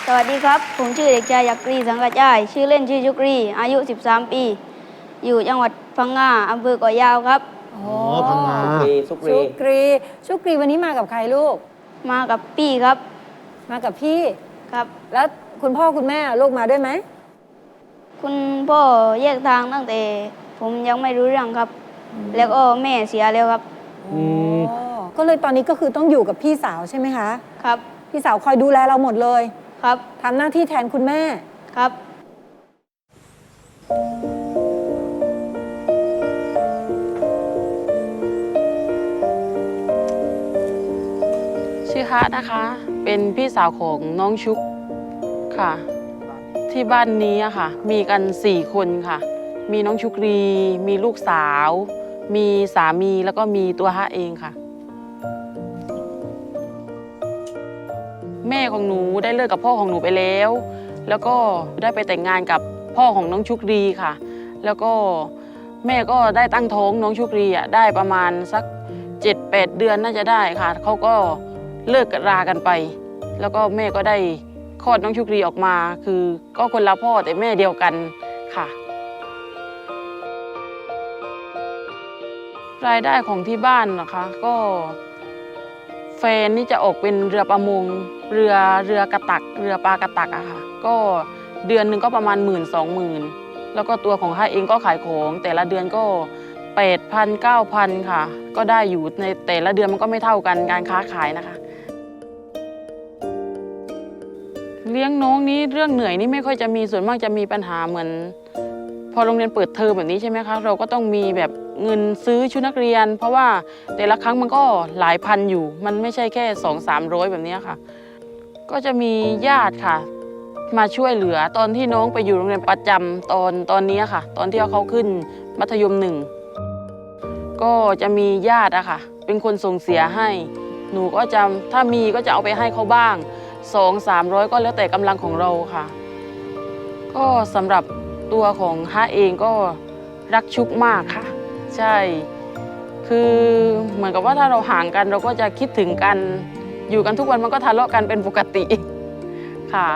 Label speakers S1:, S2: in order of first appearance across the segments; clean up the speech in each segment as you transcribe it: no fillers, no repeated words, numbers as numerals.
S1: สวัสดีครับผมชื่อเด็กชายยักรีสังกัจจายชื่อเล่นชื่อชุกรีอายุ13 ปีอยู่จังหวัดพังงาอำเภอเกาะยาวครับ
S2: อ๋อพังงา
S3: สุกรี
S4: ชุกรีวันนี้มากับใครลูก
S1: มากับพี่ครับ
S4: มากับพี่
S1: ครับ
S4: แล้วคุณพ่อคุณแม่ลูกมาด้วยไหม
S1: คุณพ่อแยกทางตั้งแต่ผมยังไม่รู้เรื่องครับแล้วก็แม่เสียแล้วครับ
S4: ก็เลยตอนนี้ก็คือต้องอยู่กับพี่สาวใช่ไหมคะ
S1: ครับ
S4: พี่สาวคอยดูแลเราหมดเลย
S1: ครับ
S4: ทำหน้าที่แทนคุณแม่
S1: ครับ
S5: ชื่อฮะนะคะ เป็นพี่สาวของน้องชุกค่ะที่บ้านนี้อะค่ะมีกัน4 คนค่ะมีน้องชุกรีมีลูกสาวมีสามีแล้วก็มีตัวฮะเองค่ะแม่ของหนูได้เลิกกับพ่อของหนูไปแล้วแล้วก็ได้ไปแต่งงานกับพ่อของน้องชุกรีค่ะแล้วก็แม่ก็ได้ตั้งท้องน้องชุกรีอ่ะได้ประมาณสัก7-8 เดือนน่าจะได้ค่ะเขาก็เลิกรากันไปแล้วก็แม่ก็ได้คลอดน้องชุกรีออกมาคือก็คนละพ่อแต่แม่เดียวกันค่ะรายได้ของที่บ้านนะคะก็แฟนนี่จะออกเป็นเรือประมงเรือกระตักเรือปลากระตักอะค่ะก็เดือนหนึ่งก็ประมาณ10,000-20,000แล้วก็ตัวของข้าเองก็ขายของแต่ละเดือนก็8,000-9,000ค่ะก็ได้อยู่ในแต่ละเดือนมันก็ไม่เท่ากันการค้าขายนะคะเลี้ยงน้องนี้เรื่องเหนื่อยนี่ไม่ค่อยจะมีส่วนมากจะมีปัญหาเหมือนพอโรงเรียนเปิดเทอมแบบนี้ใช่ไหมคะเราก็ต้องมีแบบเงินซื้อชุดนักเรียนเพราะว่าแต่ละครั้งมันก็หลายพันอยู่มันไม่ใช่แค่200-300แบบนี้ค่ะก็จะมีญาติค่ะมาช่วยเหลือตอนที่น้องไปอยู่โรงเรียนประจำตอนนี้ค่ะตอนที่เขาขึ้นมัธยม1ก็จะมีญาติอะค่ะเป็นคนส่งเสียให้หนูก็จะถ้ามีก็จะเอาไปให้เขาบ้าง200-300ก็แล้วแต่กำลังของเราค่ะก็สำหรับตัวของฮะเองก็รักชุกมากค่ะใช่คือเหมือนกับว่าถ้าเราห่างกันเราก็จะคิดถึงกันอยู่กันทุกวันมันก็ทะเลาะกันเป็นปกติค่ะ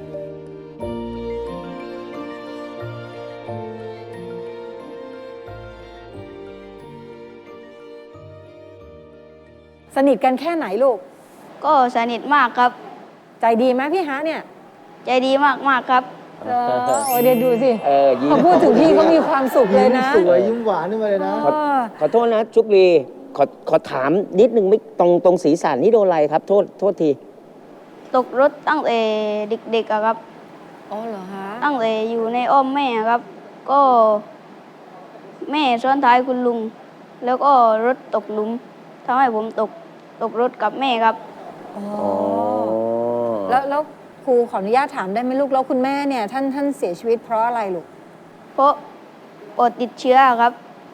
S4: สนิทกันแค่ไหนลูก
S1: ก็สนิทมากครับ
S4: ใจดีไหมพี่ฮะเนี่ย
S1: ใจดีมากๆครับ
S4: โอ้เดี๋ยวดูสิพอพูดถึงพี่เขามีความสุขเลยนะ
S2: สวยยิ้มหวานขึ้นมาเลยนะ
S3: ขอโทษนะชุกรีขอถามนิดนึงไม่ตรงศีรษะนี่โดนอะไรครับโทษที
S1: ตกรถตั้งแต่เด็กๆอะครับ
S4: อ๋อเหรอฮะ
S1: ตั้งแต่อยู่ในอ้อมแม่ครับก็แม่ซ้อนท้ายคุณลุงแล้วก็รถตกหลุมทำให้ผมตกรถกับแม่ครับ
S4: อ๋อแล้วครูขออนุญาตถามได้ไหมลูกแล้วคุณแม่เนี่ยท่านเสียชีวิตเพราะอะไรลูก
S1: เพราะปอดติดเชื้อครับ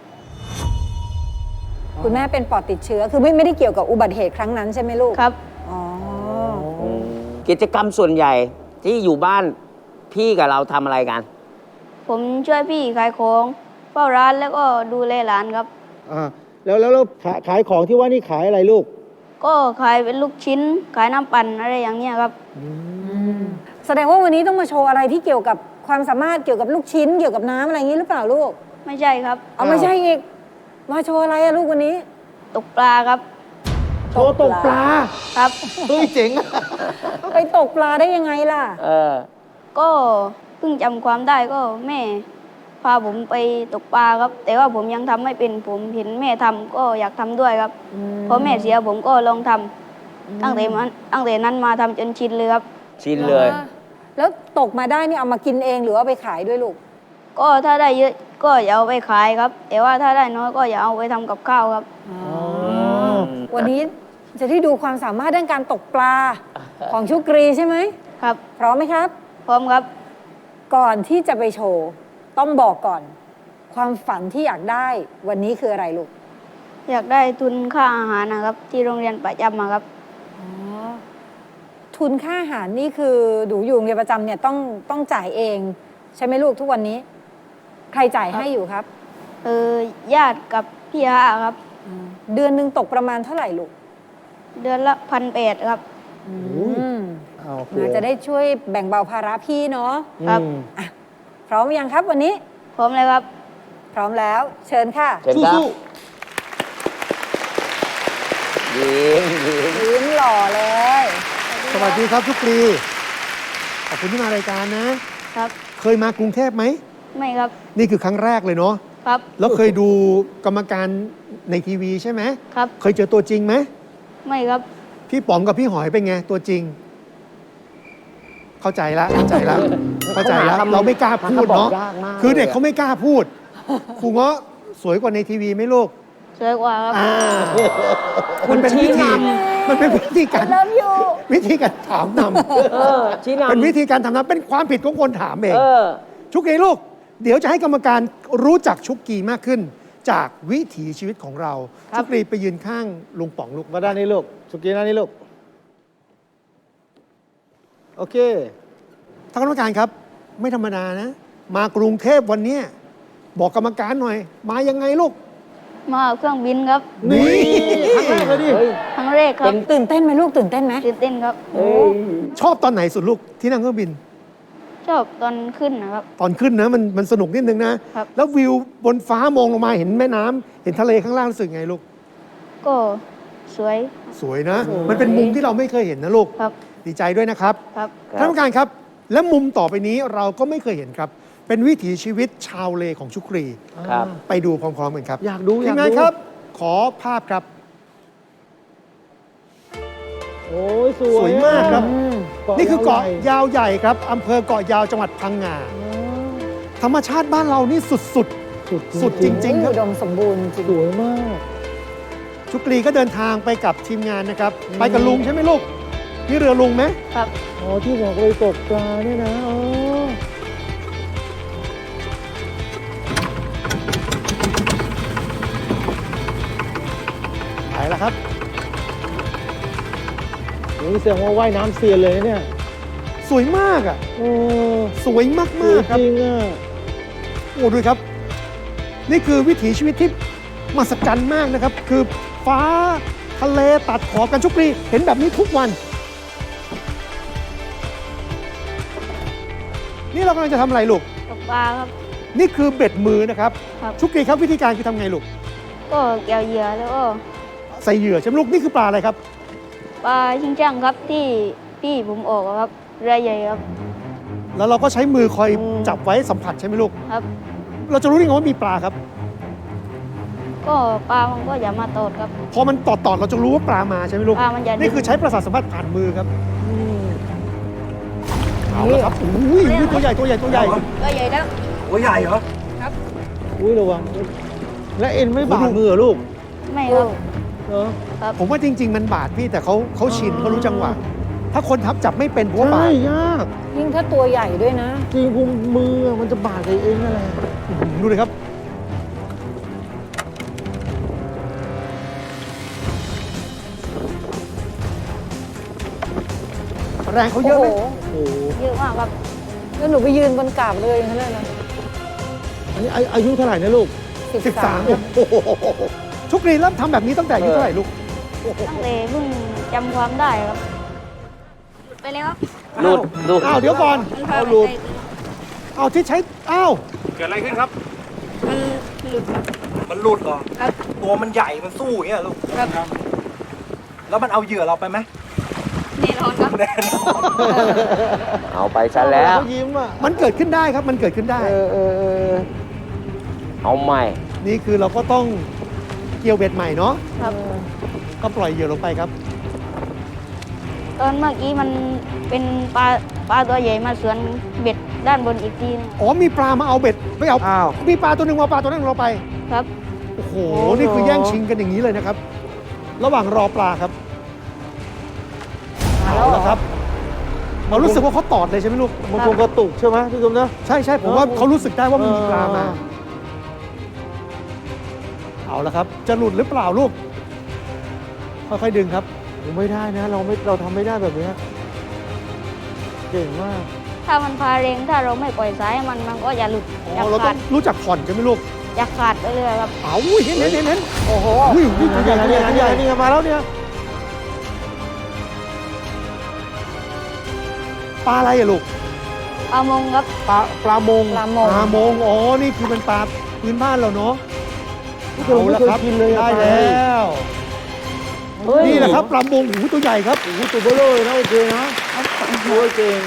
S4: คุณแม่เป็นปอดติดเชื้อคือไม่ได้เกี่ยวกับอุบัติเหตุครั้งนั้นใช่ไหมลูก
S1: ครับ
S4: อ๋อ
S3: กิจกรรมส่วนใหญ่ที่อยู่บ้านพี่กับเราทำอะไรกัน
S1: ผมช่วยพี่ขายของเฝ้าร้านแล้วก็ดูแลหลานครับ
S2: แล้วขายของที่ว่านี่ขายอะไรลูก
S1: ก็ขายเป็นลูกชิ้นขายน้ำปั่นอะไรอย่างเงี้ยครับ
S4: แสดงว่าวันนี้ต้องมาโชว์อะไรที่เกี่ยวกับความสามารถเกี่ยวกับลูกชิ้นเกี่ยวกับน้ำอะไรอย่างนี้หรือเปล่าลูก
S1: ไม่ใช่ครับ
S4: เอาไม่ใช่อีกมาโชว์อะไรอะลูกวันนี้
S1: ตกปลาครับ
S2: โชว์ตกปลา
S1: ครับ
S2: เฮ้ยเจ๋ง
S4: ไปตกปลาได้ยังไงล่ะ
S1: ก็เพิ่งจำความได้ก็แม่พาผมไปตกปลาครับแต่ว่าผมยังทำไม่เป็นผมเห็นแม่ทำก็อยากทำด้วยครับพอแม่เสียผมก็ลองทำตั้งแต่นั้นมาทำจนชินเลยครับ
S3: ชินเลย
S4: แล้วตกมาได้นี่เอามากินเองหรือว่าไปขายด้วยลูก
S1: ก็ถ้าได้เยอะก็อย่าเอาไปขายครับแต่ว่าถ้าได้น้อยก็อย่าเอาไปทำกับข้าวครับ
S4: วันนี้จะได้ดูความสามารถด้านการตกปลาของชุกรีใช่ไหม
S1: ครับ
S4: พร้อมไหมครับ
S1: พร้อมครับ
S4: ก่อนที่จะไปโชว์ต้องบอกก่อนความฝันที่อยากได้วันนี้คืออะไรลูก
S1: อยากได้ทุนค่าอาหารนะครับที่โรงเรียนประจำครับ
S4: ทุนค่าอาหารนี่คือดูอยู่โรงเรียนประจำเนี่ยต้องจ่ายเองใช่ไหมลูกทุกวันนี้ใครจ่ายให้อยู่ครับ
S1: ญาติกับพี่ฮะครับ
S4: เดือนหนึ่งตกประมาณเท่าไหร่ลูก
S1: เดือนละ1,800ครับ
S2: โอเค
S4: นะจะได้ช่วยแบ่งเบาภาระพี่เนาะ
S1: ครับ
S4: พร้อมยังครับวันนี้
S1: พร้อมเลยครับ
S4: พร้อมแล้ว เชิญค่ะ
S3: เชิญครับ
S2: สู้
S3: ยิ้มยิ้ม
S4: ยิ้มหล่อเลย
S6: ๆสวัสดีครับชุกรีขอบคุณที่มารายการนะ
S1: ครับ
S6: เคยมากรุงเทพไหม
S1: ไม่ครับ
S6: นี่คือครั้งแรกเลยเนาะ
S1: ครับ
S6: แล้วเคยดูกรรมการในทีวีใช่ไหม
S1: ครับ
S6: เคยเจอตัวจริงไหม
S1: ไม่ครับ
S6: พี่ป๋องกับพี่หอยเป็นไงตัวจริง เข้าใจละเข้าใจละเข้าใจละเราไม่กล้าพูดเนาะ
S3: เขาบอกยากมาก
S6: คือเด็ก
S3: เลยอะ
S6: เขาไม่กล้าพูดครูเงาะสวยกว่าในทีวีไหมลูก
S1: สวยกว่าครับ
S6: มันเป็นวิธีมันเป็นวิธีการ
S4: เริ่มอยู่
S6: วิธีการถามน
S3: ชี้
S6: ำ
S3: นำ
S6: เป็นวิธีการถามนำเป็นความผิดของคนถามเอง
S3: เออ
S6: ชุกกี้ลูก เดี๋ยวจะให้กรรมการรู้จักชุกกี้มากขึ้น จากวิถีชีวิตของเรา
S1: ครับ
S6: ชุกกี้ไปยืนข้างลุงป๋องลูก
S2: มาด้านนี้ลูกสุกี้ด้านนี้ลูก โอเค
S6: ท่านคณะกรรมการครับ ไม่ธรรมดานะ มากรุงเทพวันเนี้ยบอกกรรมการหน่อย มายังไงลูก
S1: มาเครื่องบินครับ
S2: นี่ครั้งแรกเลยดิ
S3: เฮ้ย
S1: ครั้งแรกครับ
S4: ตื่นเต้นไหมลูกตื่นเต้นไหม
S1: ตื่นเต้นครับ
S3: เฮ้ย
S6: ชอบตอนไหนสุดลูกที่นั่งเครื่องบิน
S1: ชอบตอนขึ้นนะครับ
S6: ตอนขึ้นนะมันสนุกนิดนึงนะ
S1: ครับ
S6: แล้ววิวบนฟ้ามองลงมาเห็นแม่น้ำเห็นทะเลข้างล่างรู้สึกไงลูก
S1: ก็สวย
S6: สวยนะ มันเป็นมุมที่เราไม่เคยเห็นนะลูก
S1: ครับ
S6: ดีใจด้วยนะครับ
S1: ครับ
S6: ท่านผู้การครับ และมุมต่อไปนี้เราก็ไม่เคยเห็นครับ เป็นวิถีชีวิตชาวเลของชุกรี
S3: ครับ
S6: ไปดูพร้อมๆกันครับ
S2: อยากดู
S6: ที
S2: อยาม ก
S6: งาน
S2: ดู
S6: ครับ ขอภาพครับ
S2: โอ้ยส
S6: ส
S2: วย
S6: วยมากครับ
S2: เกาะ
S6: นี่คือเกาะ
S2: ยาวใหญ่
S6: ยาวใหญ่ครับอำเภอเกาะยาวจังหวัดพังงา ธรรมชาติบ้านเรานี่สุด สุดจริงๆครับ
S4: อุดมสมบูรณ์จริง
S2: สวยมาก
S6: ๆ ชุกรีก็เดินทางไปกับทีมงานนะครับ ไปกับลุงใช่ไหมลูกนี่เรือลุงไหม
S1: ครับ
S2: อ๋อที่บอกเลยตกปลาเนี่ยนะอ๋อ
S6: ไปแล้วครับ
S2: โอ้ยแสดงว่าว่ายน้ำเซียนเลยนะเนี่ย
S6: สวยมากอ่ะ
S2: โอ้
S6: สวยมาก
S2: สวย
S6: ๆครับ
S2: จริงอ่ะ
S6: โอ้ดูครับ นี่คือวิถีชีวิตที่มหัศจรรย์มากนะครับ คือฟ้าทะเลตัดขอบกันชุกรีเห็นแบบนี้ทุกวัน นี่เรากำลังจะทำอะไรลูก
S1: ตกปลาครับ
S6: นี่คือเบ็ดมือนะครับ
S1: ครับ
S6: ชุกรีครับวิธีการคือทำไงลูก
S1: ก็เกี่ยวเหยื่อแล้วก็
S6: ใส่เหยื่อใช่ไหมลูกนี่คือปลาอะไรครับ
S1: ปลาชิงช่างครับที่พี่ผมออกอะครับเรือใหญ่ครับ
S6: แล้วเราก็ใช้มือคอยจับไว้สัมผัสใช่ไหมลูก
S1: ครับ
S6: เราจะรู้ได้ไงว่ามีปลาครับ
S1: ก็ปลามันก็อย่ามาตอดครับ
S6: พอมันตอดเราจะรู้ว่าปลามาใช่ไหมลูก
S1: ปลามันจะ
S6: นี่คือใช้ประสาทสัมผัสผ่านมือครับเอาละครับอุ้ยตัวใหญ่ตัวใหญ่ตัวใหญ่
S1: ก็ใหญ่แล้ว
S7: ตัวใหญ่เหรอ
S2: อุ้ยระวัง และเอ็นไม่บาดมือเหรอลูก
S1: ไม่ครับ
S2: เหรอ
S6: ผมว่าจริง ๆ มันบาดพี่แต่เขาชินเขารู้จังหวะ ถ้าคนทับจับไม่เป็นผมว่าบา
S2: ใช่
S6: ด
S2: ยาก
S4: ยิ่งถ้าตัวใหญ่ด้วยนะ
S2: จริงพุงมือมันจะบาดกับเองนั่นแหละ
S6: ดูเลยครับ แรงเขาเย
S4: โอ้
S6: อะ
S4: โห
S6: ไหม
S2: โอ้โห
S1: เยอะมากครับ
S4: แล้วหนูไปยืนบนกาบเลยเขาเลยนะ
S2: อันนี้อายุเท่าไหร่นะลูก
S6: 13ครับชุกรีเริ่มทำแบบนี้ตั้งแต่อายุเท่าไหร่ลูก
S1: ตั้งแต่เพิ่งจำความได้ครับ ไปแล้วครับ
S3: หลุดหลุด
S6: อ้าวเดี๋ยวก่อน
S1: มันพา
S6: เอา
S1: ไป
S6: หลุด
S1: ไกล
S6: เอาที่ใช้อ้าว
S7: เกิดอะไรขึ้นครับ
S1: มันหลุดครับ
S7: มันหลุดเหรอ
S1: ครับ
S7: ตัวมันใหญ่ มันสู้อย่างเงี้ยลูก
S1: ครับ
S7: แล้วมันเอาเหยื่อเราไปไหม
S1: แน่นอนครับ
S7: แน่นอน
S3: เอาไปซะแล้ว
S2: เขายิ้มอ่ะ
S6: มันเกิดขึ้นได้ครับมันเกิดขึ้นได้
S2: เออ
S3: เอาใหม่
S6: นี่คือเราก็ต้องเกี่ยวเบ็ดใหม่เนาะ
S1: ครับ
S6: ก็ปล่อยเหยื่อลงไปครับ
S1: ตอนเมื่อกี้มันเป็นปลาตัวใหญ่มาสวนเบ็ดด้านบนอีกทีนึง
S6: อ๋อมีปลามาเอาเบ็ดไม่เอา
S2: อ้าว
S6: มีปลาตัวหนึ่งมาเอาปลาตัวนั้นเราไป
S1: ครับ
S6: โอ้โห นี่คือแย่งชิงกันอย่างนี้เลยนะครับ ระหว่างรอปลาครับ เอาละครับเรารู้สึกว่าเขาตอดเลยใช่ไหมลูก
S2: มันคงกระตุกใช่ไหมพี่ตุ้มนะ
S6: ใช่ใช่ผมว่าเขารู้สึกได้ว่ามันมีปลามา เอาละครับ จะหลุดหรือเปล่าลูก ค่อยๆดึงครับ
S2: ไม่ได้นะ เราทำไม่ได้แบบเนี้ยเก่งมาก
S1: ถ้ามันพาเรงถ้าเราไม่ปล่อยสายให้มันก็อย่าหลุด
S6: อ๋
S1: อย่า
S6: อ เราต้
S1: ขา
S6: อ
S1: ด
S6: งรู้จักผ่อนใช่ไหมลูก
S1: อย่าขาดไปเลยครับ
S6: เอาอุ้ยเห็นเห็นเห็นเห็น
S4: โอ้โห
S6: อุ้ยนี่ตัวใหญ่ตัวใหญ่ตัวใหญ่
S2: นี่มาแล้วเนี่ย
S6: ปลาอะไรอะลูก
S1: ปลามงครับ
S2: ปลามง
S4: ปลามง
S6: ปลามงอ๋อนี่คือเป็นปลาพื้นบ้านเราเนาะ
S2: ที่เราไม่เคยกินเลยอะ
S6: ได้
S2: ปลา
S6: แล้ว
S3: เฮ้ย
S6: นี่แหละครับปลามงหูตัวใหญ่ครับ
S2: โอ้โหตัวเบลอเลยนะโอเคนะโอ้ยเก่ง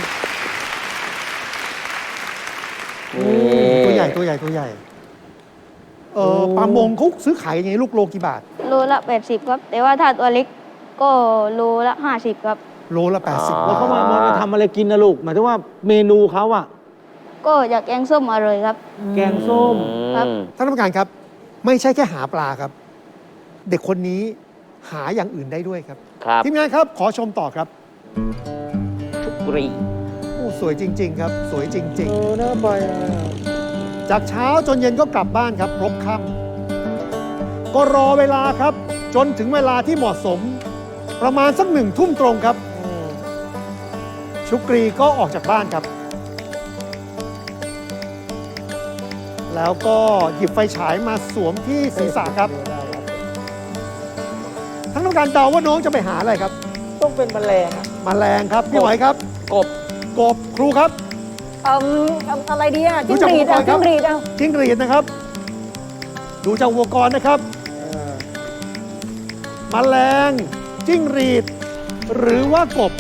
S6: ตัวใหญ่ตัวใหญ่ตัวใหญ่ปลามงเขาซื้อขายยังไงลูกโลกี่บาท
S1: โลละ80ครับ แต่ว่าถ้าตัวเล็กก็โลละ50ครับ
S6: โลละ80
S2: แล้วเขามาทำอะไรกินนะลูกหมายถึงว่าเมนูเขาอะ
S1: ก็อยากแกงส้มอร่อยครับ
S2: แกงส้ม
S1: ครับ
S6: ท่านผู้การครับ ไม่ใช่แค่หาปลาครับ เด็กคนนี้หาอย่างอื่นได้ด้วยครับ
S3: ครับ
S6: ทีมงานครับขอชมต่อครับ
S3: ชุกรี
S6: โอ้สวยจริง ๆ ครับ สวยจริง
S2: น่าไปอะ
S6: ๆ จากเช้าจนเย็นก็กลับบ้านครับรบค่ำก็รอเวลาครับ จนถึงเวลาที่เหมาะสม ประมาณสัก1 ทุ่มตรงครับ ชุกรีก็ออกจากบ้านครับ แล้วก็หยิบไฟฉายมาสวมที่ศีรษะครับท่านต้องการเดาว่าน้องจะไปหาอะไรครับ
S2: ต้องเป็นแมลงอะ
S6: แมลงครับพี่หอยครับ
S3: กบ
S6: กบครูครับ
S4: อะไรดีอ่ะ
S6: รู้
S4: จิ้ง
S6: จัก
S4: หรีด
S6: อุปกรณ์ครับ
S4: จิ้งหรีดเอา
S6: จิ้งหรีดนะครับ ดูจากอุปกรณ์นะครับแมลงจิ้งหรีด หรือว่ากบ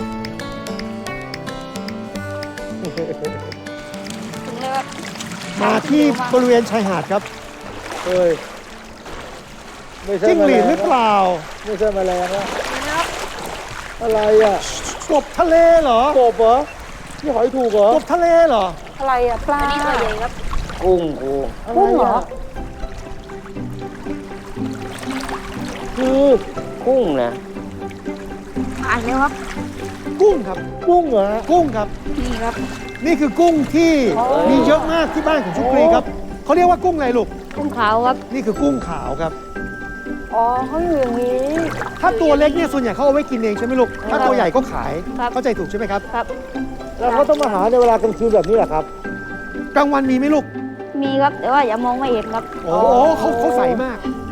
S1: ถึงเลยครับ
S6: มาที่บริเวณชายหาดครับ
S2: เฮ้ยไม่ใช่
S6: จิ้งหรีดหรือ
S2: แม
S6: เป
S2: ลง
S6: ล่า
S2: ไม่ใช่แมลงอะอะไรอะ
S6: กบทะเลเหรอก
S2: บเหรอพี่หอยถูกเหรอก
S6: บทะเลเหรอ
S4: อะไรอ่ะปลา
S1: อันนี้ตัวใหญ่ครับ
S3: กุ้งกู
S4: กุ้งเหรอ
S2: คือ
S3: กุ้งนะ
S1: อ่านแล้วครับ
S6: กุ้งครับ
S2: กุ้งเหรอ
S6: กุ้งครับ
S1: นี่ครับ
S6: นี่คือกุ้งที่มีเยอะมากที่บ้านของชุกรีครับเขาเรียกว่ากุ้งอะไรลูก
S1: กุ้งขาวครับ
S6: นี่คือกุ้งขาวครับ
S4: อ๋อเขาอยู่อย่างนี้
S6: ถ้าตัวเล็กเนี่ยส่วนใหญ่เขาเอาไว้กินเองใช่ไหมลูก ถ้าตัวใหญ่ก็ขาย
S1: ครับ
S6: เข้าใจถูกใช่ไหมครับ
S1: ครับ
S2: แล้วเขาต้องมาหาในเวลากลางคืนแบบนี้เหรอครับ
S6: กลางวันมีไหมลูก
S1: มีครับ แต่ว่าอย่ามองไม่เห็นครับ
S6: โอ้โหเขาใสมาก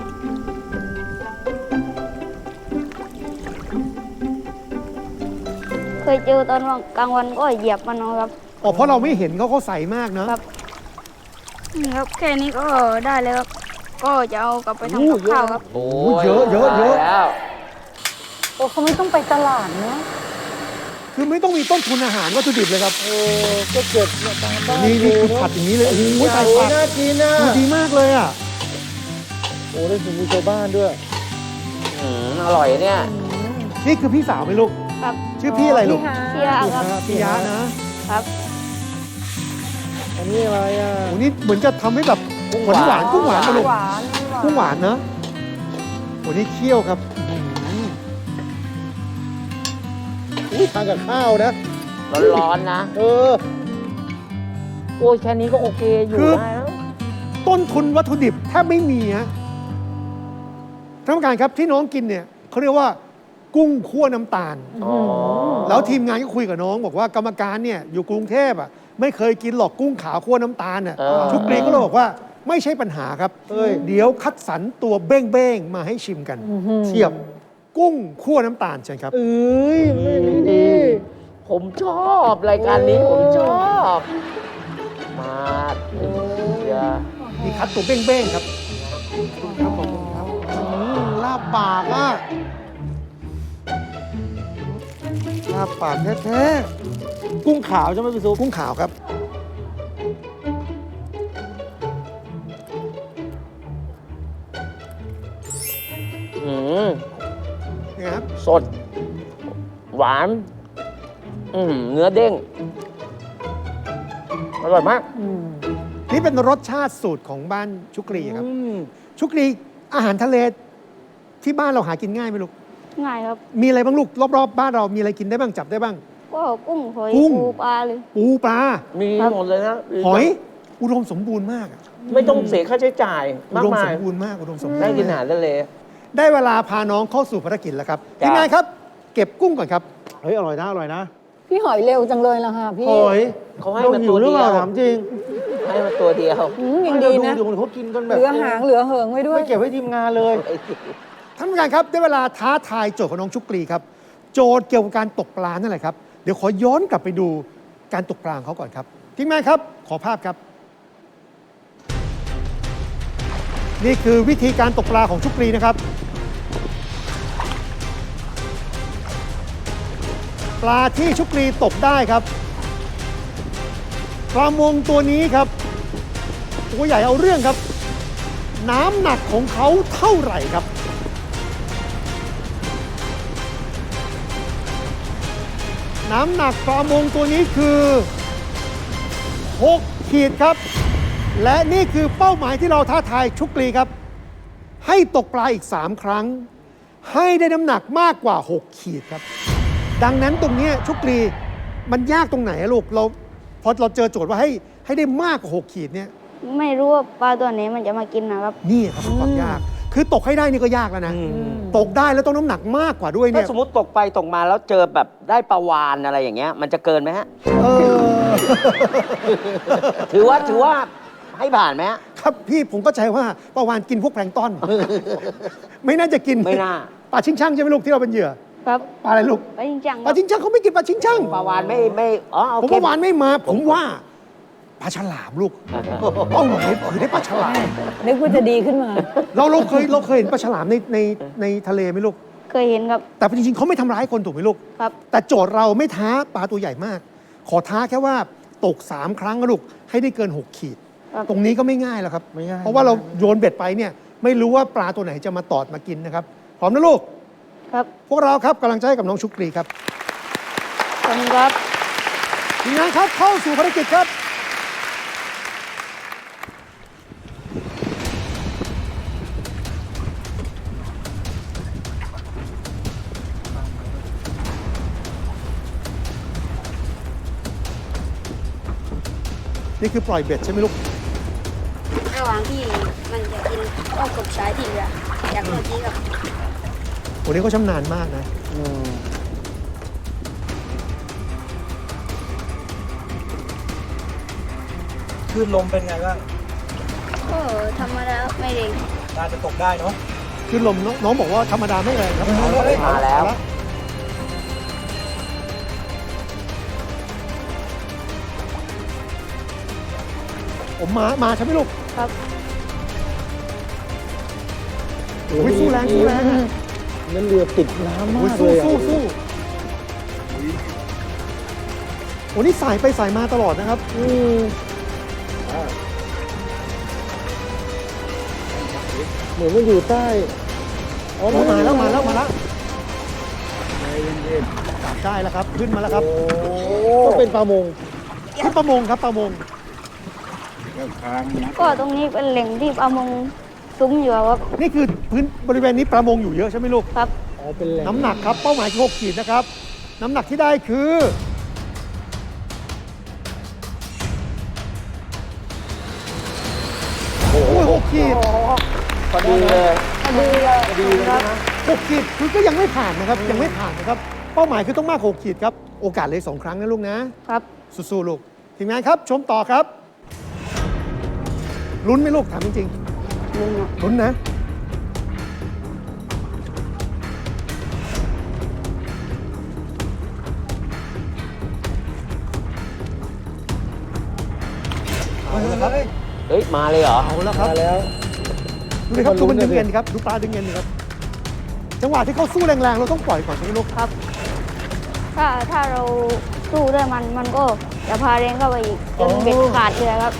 S1: เคยเจอตอนกลางวันก็เหยียบมันเอาครับ
S6: อ๋อ เพราะเราไม่เห็นเขาใสมากเนอะ
S1: ครับ นี่ครับ แค่นี้ก็ได้แล้วครับ ก็จะเอากลับไปทำกับข้าวครับ
S3: โอ้
S6: เยอะเยอะเยอะ
S3: แล้ว
S4: โอ้เขาไม่ต้องไปตลาดเนาะ
S6: คือไม่ต้องมีต้นทุนอาหารวัตถุดิบเลยครับ
S2: ก็เก็บเนี่ยตามบ้าน
S6: นี่
S2: ดู
S6: คือ
S2: เนอะ
S6: ผัดอย่างนี้เลย โอ้โหใส่
S2: โอ้
S6: ผั
S2: ย
S6: ก
S2: น่ากินนะ
S6: ดูดีมากเลยอ่ะ
S2: โอ้ได้ถึงมือชาวบ้านด้วย
S3: อร่อยเนี่ย
S6: นี่คือพี่สาวไหมลูก
S1: ครับ
S6: ชื่อพี่อะไรลูก
S1: เชียร์ครับ
S6: พี่ยะนะ
S1: ครับ
S2: อันนี้อะไรอ่ะ
S6: โอ้นี่เหมือนจะทำให้แบบหวานหวานกุ้งหวานมาลูก
S4: หวาน
S6: กุ้งหวานนะโอ้นี่เคี่ยวครับอื้อหือ
S2: อุ้ยทานกับข้าวนะ
S3: ร้อนๆนะ
S2: เออ
S3: โอ้ยแค่นี้ก็โอเคอยู่ได้แล้ว
S6: ต้นทุนวัตถุดิบแทบไม่มีฮะท่านผู้การครับที่น้องกินเนี่ยเขาเรียกว่า กุ้งคั่วน้ำตาล
S3: อ๋อ
S6: แล้วทีมงานก็คุยกับน้องบอกว่ากรรมการเนี่ยอยู่กรุงเทพอ่ะไม่เคยกินหรอกกุ้งขาวคั่วน้ำตาลน่ะ
S3: เออ
S6: ชุกรีก็เลยบอกว่าไม่ใช่ปัญหาครับ เดี๋ยวคัดสรรตัวเบ้งๆมาให้ชิมกัน เทียบกุ้งคั่วน้ำตาลเชิญครับ
S2: เอ้ยไม่มีดี
S3: ผมชอบรายการนี้ผมชอบ มาเชียร์
S6: มีคัดตัวเบ้งๆครับครับผมครับลาบปากอ่ะลาบปากแท้
S2: กุ้งขาวใช่ไหมพี่ซุป
S6: ๆกุ้งขาวครับ
S3: อืม
S6: นี่ครับ
S3: สด หวาน เนื้อเด้ง อร่อยมาก
S6: นี่เป็นรสชาติสูตรของบ้านชุกรีครับ
S2: อืม
S6: ชุกรีอาหารทะเลที่บ้านเราหากินง่ายไหมลูก
S1: ง่ายครับ
S6: มีอะไรบ้างลูกรอบๆบ้านเรามีอะไรกินได้บ้างจับได้บ้าง
S1: ก็กุ้งหอย
S6: กุ้ง
S1: ปูปลาเลย
S6: ปูปลา
S3: มีหมดเลยนะ
S6: หอย อุดมสมบูรณ์มากอะ
S3: ไม่ต้องเสียค่าใช้จ่าย
S6: อุ
S3: มาก
S6: ดม
S3: มา
S6: ส
S3: ย
S6: มบูรณ์มากอุดมสมบูรณ์
S3: ได้กินอาหารทะเล
S6: ได้เวลาพาน้องเข้าสู่ภารกิจแล้วครับ
S3: จ้ะ
S6: ทีมงานครับ เก็บกุ้งก่อนครับ
S2: เฮ้ยอร่อยนะอร่อยนะ
S4: พี่หอยเร็วจังเลยล่ะค่ะพี่
S2: หอย
S3: เขาให้
S2: เรา
S3: มา
S2: หิ
S3: ตัว ว
S2: หรือ
S3: เดี
S2: เป
S3: ย
S2: ล่าว ถามจริง
S3: ให้มาตัวเดียว
S4: ยัง
S2: เรา
S4: ดี
S2: ดู
S4: นะ
S2: เดี๋ยวเขากินกันแบบ
S4: เหลือหางเหลือเหิงไว้ด้วย
S2: ไม่เก็บให้ทีมงานเลย
S6: ท่านผู้การครับได้เวลาท้าทายโจทย์ของน้องชุกรีครับ โจทย์เกี่ยวกับการตกปลานั่นแหละครับเดี๋ยวขอย้อนกลับไปดูการตกปลาของเขาก่อนครับทีมงานครับขอภาพครับ นี่คือวิธีการตกปลาของชุกรีนะครับ ปลาที่ชุกรีตกได้ครับปลามงตัวนี้ครับตัวใหญ่เอาเรื่องครับ น้ำหนักของเขาเท่าไหร่ครับ น้ำหนักปลามงตัวนี้คือ6 ขีดครับ และนี่คือเป้าหมายที่เราท้าทายชุกรีครับ ให้ตกปลาอีก 3 ครั้ง ให้ได้น้ำหนักมากกว่า 6 ขีดครับ ดังนั้นตรงนี้ชุกรีมันยากตรงไหนอะลูกเราพอเราเจอโจทย์ว่าให้ได้มากกว่า 6 ขีดเนี่ย
S1: ไม่รู้ว่าปลาตัวไหนมันจะมากินนะครับ
S6: นี่ครับเป็นความยาก คือตกให้ได้นี่ก็ยากแล้วนะ ตกได้แล้วต้องน้ำหนักมากกว่าด้วย
S3: ถ้า
S6: เนี่ย
S3: สมมติตกไปตกมาแล้วเจอแบบได้ปลาวานอะไรอย่างเงี้ย มันจะเกินไหมฮะ
S6: เออ
S3: ถือว่าให้ผ่านไหมฮะ
S6: ครับพี่ผมก็ใจว่าปลาวานกินพวกแพลงก์ต้น ไม่น่าจะกิน
S3: ไม่น่า
S6: ปลาชิงช่างใช่ไหมลูกที่เราเป็นเหยื่อ
S1: ครับ
S6: ปลาอะไรลูก
S1: ไปจริงจังค
S6: ป
S1: รั
S6: ลา
S1: บ
S6: ชิงช่างเขาไม่กินปลาชิงช่าง
S3: ปลาวานไม่อ๋อโอ
S6: ผม
S3: เค
S6: ว่าวานไม่มา ผมว่าปลาฉลามลูกเป้าหมายคือได้ปลาฉลาม
S4: นึกว่าจะดีขึ้นมา
S6: เราเคยเห็นปลาฉลามในทะเลไหมลูก
S1: เคยเห็นครับ
S6: แต่จริงๆเขาไม่ทำร้ายคนถูกไหมลูก
S1: ครับ
S6: แต่โจทย์เราไม่ท้าปลาตัวใหญ่มาก ขอท้าแค่ว่าตก 3 ครั้งนะลูกให้ได้เกิน 6 ขีด
S1: ครับ
S6: ตรงนี้ก็ไม่ง่ายแล้วครับ
S2: ไม่ง่าย
S6: เพราะว่าเราโยนเบ็ดไปเนี่ยไม่รู้ว่าปลาตัวไหนจะมาตอดมากินนะครับพร้อมนะลูก
S1: ครับ
S6: พวกเราครับกำลังใจให้กับน้องชุกรีครับ
S1: ขอบคุณครับ
S6: ทีมงานครับเข้าสู่ภารกิจครับ นี่คือปล่อยเบ็ดใช่ไหมลูก
S1: ระหว่างที่มันจะกินก็กบสายที่เหลือจากเมื่อกี้ครับ
S6: วันนี้เขาชำนาญมากนะ
S7: คลื่นลมเป็นไงบ้าง
S1: ก็ธรรมดาไม่เร่ง
S7: น่าจะตกได้เนาะ
S6: คือลมน้องบอกว่าธรรมดาไม่แรงครับ
S3: มาแล้ว
S6: ผมมาใช่ไหมลูก
S1: ครับ
S6: โอ้ยสู้แรงสู้แรงอะ
S2: นั่นเรือติดน้ำ
S6: โอ้
S2: มาย ก
S6: สู้
S2: เลยอะ
S6: สู้โอ้นี่สายไปสายมาตลอดนะครับ
S2: เหมือนมันอยู่ใต้อ๋อ
S6: โอ้มาแล้ว
S2: ใจเย็น
S6: ได้แล้วครับ ขึ้นมาแล้วครับ
S2: ก็เป็นปลามง
S6: ขึ้นประมงครับประมง
S1: ก็ตรงนี้เป็นแหล่งที่ปลามงซุ้มอยู่ครับ
S6: นี่คือพื้นบริเวณนี้ประมงอยู่เยอะใช่ไหมลูก
S1: ครับ
S2: อ๋อเป็นแหล่ง
S6: น้ำหนักครับเป้าหมายคือ6 ขีดนะครับ น้ำหนักที่ได้คือโอ้ย6 ขีด
S3: พอดีเลย
S6: 6 ขีดคือก็ยังไม่ผ่านนะครับ ยังไม่ผ่านนะครับ เป้าหมายคือต้องมากกว่า6 ขีดครับ โอกาสเลย2 ครั้งนะลูกนะ
S1: ครับ
S6: สู้ๆลูกทีมงานครับ ชมต่อครับ ลุ้นไหมลูกถามจริง
S1: ลุงอ่ะ
S6: ๆลุ้นนะ เอาละครับ
S3: เฮ้ย มาเลยเหรอ
S6: เอาแล้วครับ
S2: มาแล้ว
S6: ดูเลยครับ
S2: มัน
S6: ดูมัน
S2: ลุ้
S6: ดึ
S2: น
S6: ง
S2: เลย
S6: เงินครับ ดูปลาดึงเงินครับ จังหวะที่เขาสู้แรงๆ เราต้องปล่อยก่อนใช่ไหมลูก
S1: ครับ ถ้าเราสู้ด้วยมันก็จะพาแรงเข้าไปอีกจนเบ็ดขาดเลยครับ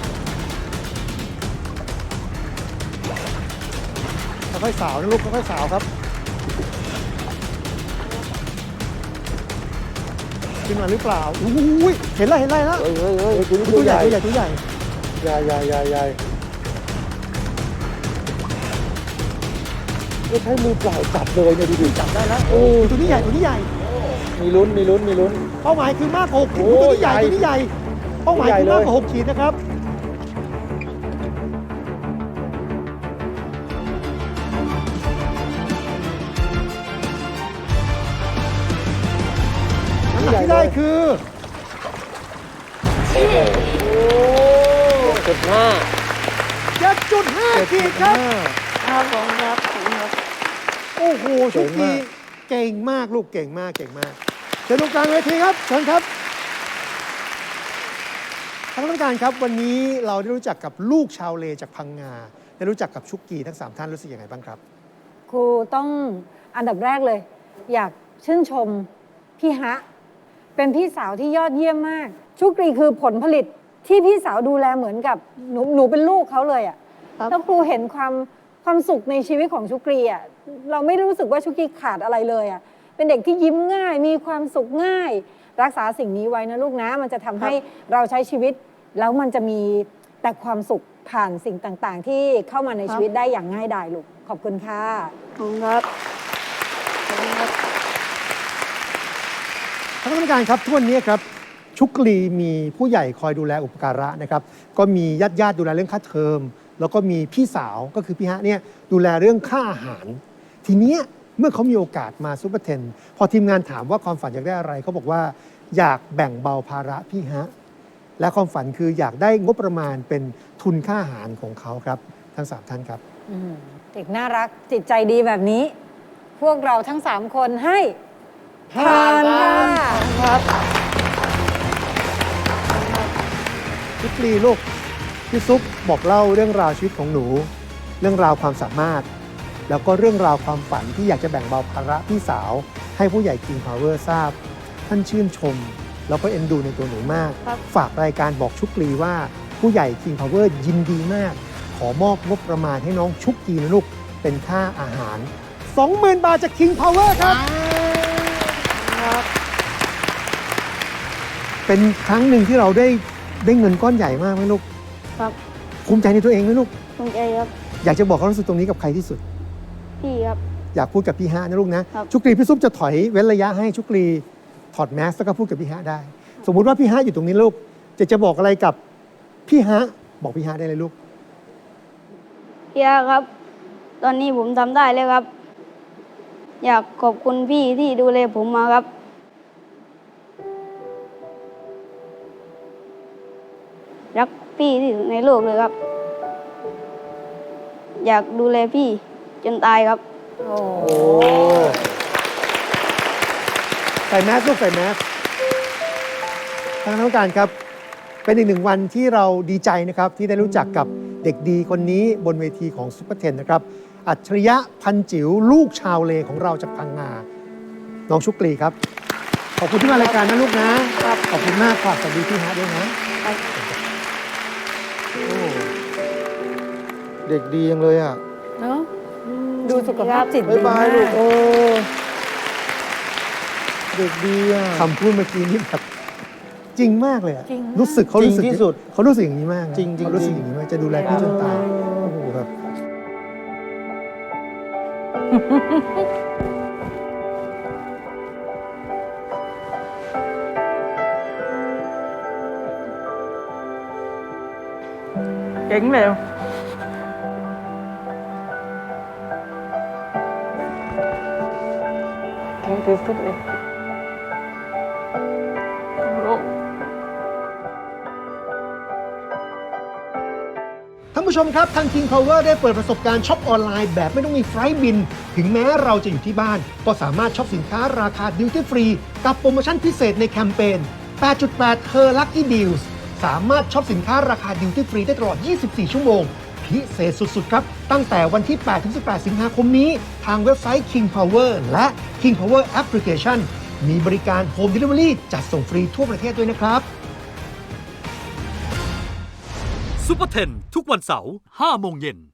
S6: ค่อยๆสาวนะลูกค่อยๆสาวครับ ขึ้นมาหรือเปล่าอุ้ยเห็นแล้วเห็นแล้ว
S3: เฮ้ยเฮ้ยเฮ้ย
S2: เฮ้ยตัวนี้
S6: ตัวใหญ่
S2: ตัวใหญ่
S6: ตัวใหญ่
S2: ใหญ่ใหญ่ใหญ่ใหญ่ก็ใช้มือเปล่าจับเลยเนี่ยดูดิ
S6: จับได้แล้วตัวนี้ใหญ่ตัวนี้ใหญ่
S2: มีลุ้นมีลุ้นมีลุ้น
S6: เป้าหมายคือมากกว่า6 ขีด
S2: โอ้
S6: ตัวนี้ใหญ่
S2: ใหญ่
S6: ตัวนี้ใหญ่ เป้าหมายคือมากกว่า6 ขีดนะครับ น้ำหนักที่ได้คือ
S3: 6.5
S6: 7.5 ขีดครับ
S1: ครับผมครับผมครับ
S6: โอ้โหชุกทีเก่งมากลูกเก่งมากเก่งมากเชิญตรงกลางเวทีครับเชิญครับท่านผู้การครับวันนี้เราได้รู้จักกับลูกชาวเลจากพังงาได้รู้จักกับชุกกีทั้ง3ท่านรู้สึกยังไงบ้างครับ
S4: ครูต้องอันดับแรกเลย อยากชื่นชมพี่ฮะ เป็นพี่สาวที่ยอดเยี่ยมมาก ชุกรีคือผลผลิตที่พี่สาวดูแลเหมือนกับหนูเป็นลูกเขาเลยอ่ะ
S1: ครับ
S4: แล้วครูเห็นความสุขในชีวิตของชุกรีอ่ะเราไม่รู้สึกว่าชุกรีขาดอะไรเลยอ่ะเป็นเด็กที่ยิ้มง่าย มีความสุขง่าย รักษาสิ่งนี้ไว้นะลูกนะ มันจะทำให้เราใช้ชีวิต แล้วมันจะมีแต่ความสุขผ่านสิ่งต่างๆ ที่เข้ามาในชีวิตได้อย่างง่ายดายลูกขอบคุณค่ะ
S1: ขอบคุณครับขอบคุณครับ
S6: ท่านผู้การครับทุกวันนี้ครับชุกลีมีผู้ใหญ่คอยดูแลอุปการะนะครับก็มีญาติดูแลเรื่องค่าเทอม แล้วก็มีพี่สาวก็คือพี่ฮะเนี่ยดูแลเรื่องค่าอาหาร ทีเนี้ยเมื่อเขามีโอกาสมาซุปเปอร์เทนพอทีมงานถามว่าความฝันอยากได้อะไรเขาบอกว่าอยากแบ่งเบาภาระพี่ฮะและความฝันคืออยากได้งบประมาณเป็นทุนค่าอาหารของเขาครับทั้ง3ท่านครับ
S4: เด็กน่ารักจิตใจดีแบบนี้ พวกเราทั้ง 3 คนให้ผ่านค่ะ
S6: ชุกลีลูกพี่ซุปบอกเล่าเรื่องราวชีวิตของหนู เรื่องราวความสามารถ แล้วก็เรื่องราวความฝันที่อยากจะแบ่งเบาภาระพี่สาว ให้ผู้ใหญ่ King Power ทราบ ท่านชื่นชม แล้วก็เอ็นดูในตัวหนูมาก
S1: ครับ
S6: ฝากรายการบอกชุกลีว่าผู้ใหญ่ King Power ยินดีมาก ขอมอบงบประมาณให้น้องชุกกีนะลูกเป็นค่าอาหาร 20,000 บาทจาก King Power ครับ เป็นครั้งหนึ่งที่เราได้เงินก้อนใหญ่มากไหมลูก
S1: ครับ
S6: ภูมิใจในตัวเองไหมลูก
S1: ภูมิใจครับ
S6: อยากจะบอกความรู้สึกตรงนี้กับใครที่สุด
S1: พี่ครับ
S6: อยากพูดกับพี่ฮะนะลูกนะ
S1: ครับ
S6: ชุกรีพี่ซุปจะถอยเว้นระยะให้ชุกรีถอดแมสแล้วก็พูดกับพี่ฮะได้ สมมุติว่าพี่ฮะอยู่ตรงนี้ลูกจะบอกอะไรกับพี่ฮะบอกพี่ฮะได้เลยลูก
S1: พี่อาครับ ตอนนี้ผมทำได้แล้วครับ อยากขอบคุณพี่ที่ดูแลผมมาครับ รักพี่ที่สุดในโลกเลยครับ อยากดูแลพี่จนตายครับ
S4: โอ้
S6: โอ้ใส่แมสลูกใส่แมสทางการครับ เป็นอีกหนึ่งวันที่เราดีใจนะครับ ที่ได้รู้จักกับเด็กดีคนนี้บนเวทีของซุปเปอร์เทนนะครับ อัจฉริยะพันจิ๋วลูกชาวเลของเราจากพังงา น้องชุกรีครับ ขอบคุณที่มารายการนะลูกนะ ขอบคุณมากครับสวัสดีพี่ฮะด้วยนะ
S2: โอ้เด็กดีจังเลยอ่ะ
S4: เนอะดูสุขภาพจิต
S2: บ๊า
S4: ดี
S2: ยบาม
S4: าย
S2: ลูก
S4: ก
S2: โอ้เด็กดีอ่ะ
S6: คำพูดเมื่อกี้นี่แบบจริงมากเลยอะ
S4: จริงมาก
S6: รู้สึกเขารู้สึก
S2: จริงที่สุด
S6: เขารู้สึกอย่างนี้มากนะ
S2: จริงๆ
S6: เขารู้สึกอย่างนี้มากจะดูแลพี่จนตายโอ้โหแบบ
S5: เก่งเลยเก่งที่สุดเลยลูก
S6: ท่านผู้ชมครับ ทาง King Power ได้เปิดประสบการณ์ช็อปออนไลน์แบบไม่ต้องมีไฟล์บิน ถึงแม้เราจะอยู่ที่บ้าน ก็สามารถช็อปสินค้าราคาดิวตี้ฟรีกับโปรโมชั่นพิเศษในแคมเปญ 8.8 Her Lucky Deals สามารถช็อปสินค้าราคาดิวตี้ฟรีได้ตลอด 24 ชั่วโมง พิเศษสุดๆ ครับ ตั้งแต่วันที่ 8-18 สิงหาคมนี้ ทางเว็บไซต์ King Power และ King Power Application มีบริการ Home Delivery จัดส่งฟรีทั่วประเทศด้วยนะครับ
S8: ซุปเปอร์เทนทุกวันเสาร์ 5 โมงเย็น